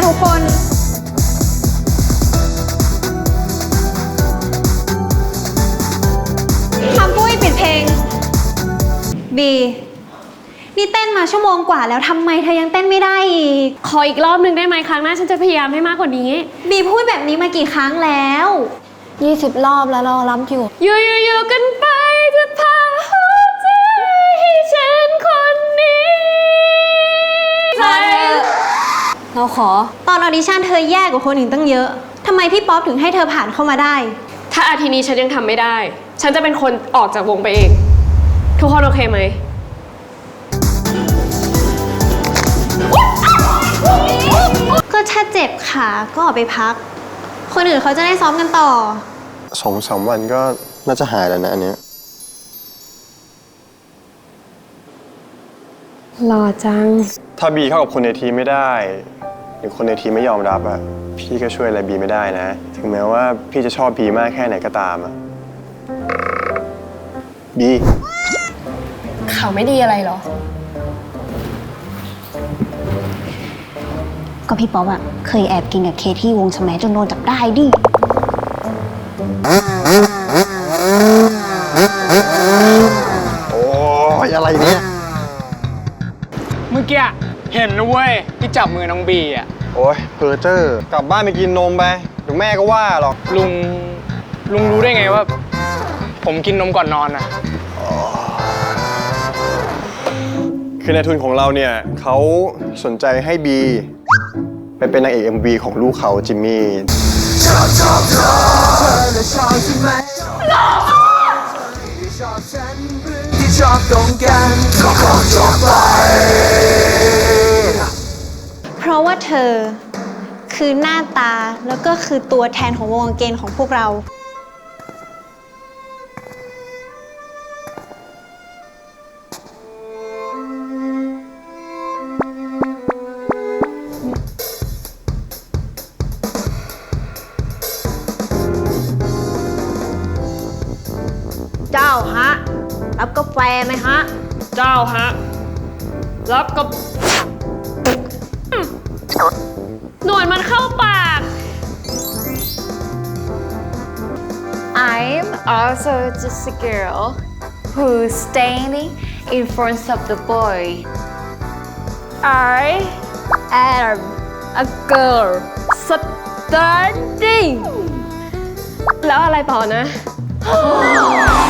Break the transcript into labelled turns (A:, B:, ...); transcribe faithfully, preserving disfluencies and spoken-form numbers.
A: ทุกคนคำปุ้ยปิดเพลงบีนี่เต้นมาชั่วโมงกว่าแล้วทำไมเธอยังเต้นไม่ได้อีก
B: ขออีกรอบหนึ่งได้ไหมครั้งหน้าฉันจะพยายามให้มากกว่านี้
A: บีพูดแบบนี้มากี่ครั้งแล้ว
C: ยี่สิบรอบแล้วเรารับอยู่
B: อยู่อยู่อยู่กันไปจะพาหัวใจให้ฉันคนนี้
C: พอเธอเราขอ
A: ตอนออดิชั่นเธอแย่กว่าคนอื่นตั้งเยอะทำไมพี่ป๊อปถึงให้เธอผ่านเข้ามาได้
B: ถ้าอาทิตย์นี้ฉันยังทำไม่ได้ฉันจะเป็นคนออกจากวงไปเองทุกคนโอเคไหม
A: ก็ถ้าเจ็บขาก็ออกไปพักคนอื่นเขาจะได้ซ้อมกันต่อ
D: สองสามวันก็น่าจะหายแล้วนะอันเนี้ย
B: หล่อจัง
D: ถ้าบีเข้ากับคนในทีมไม่ได้หรือคนในทีมไม่ยอมรับอะพี่ก็ช่วยอะไรบีไม่ได้นะถึงแม้ว่าพี่จะชอบบีมากแค่ไหนก็ตามอะบี
C: เขาไม่ดีอะไรหรอ
A: ก็พี่ป๊อปอะเคยแอบกินกับเคที่วงสมัยจนโดนจับได้ดิ
D: โอ้ยอะไรเนี่ย
E: เมื่อกี้เห็นนะเว้ยที่จับมือน้องบีอ่ะ
D: โอ้ยเพอเจอร์กลับบ้านไปกินนมไปเดี๋ยวแม่ก็ว่าหรอก
E: ลุงลุงรู้ได้ไงว่าผมกินนมก่อนนอนอ่ะ
D: คือในทุนของเราเนี่ยเขาสนใจให้บีไปเป็นนางเอก เอ็ม วี ของลูกเขาจิมมี่ชอบชอบชอบชอบใช่ไหมชอบฉันที่ชอบตรงกันก็ขอจบไป
A: เพราะว่าเธอคือหน้าตาแล้วก็คือตัวแทนของวงเกณฑ์ของพวกเราเจ้าฮะรับกาแฟไหมฮะ
B: เจ้าฮะรับกับหนวดมันเข้าปาก
C: I'm also just a girl who's standing in front of the boy I am a girl standing
B: แล้วอะไรต่อนะ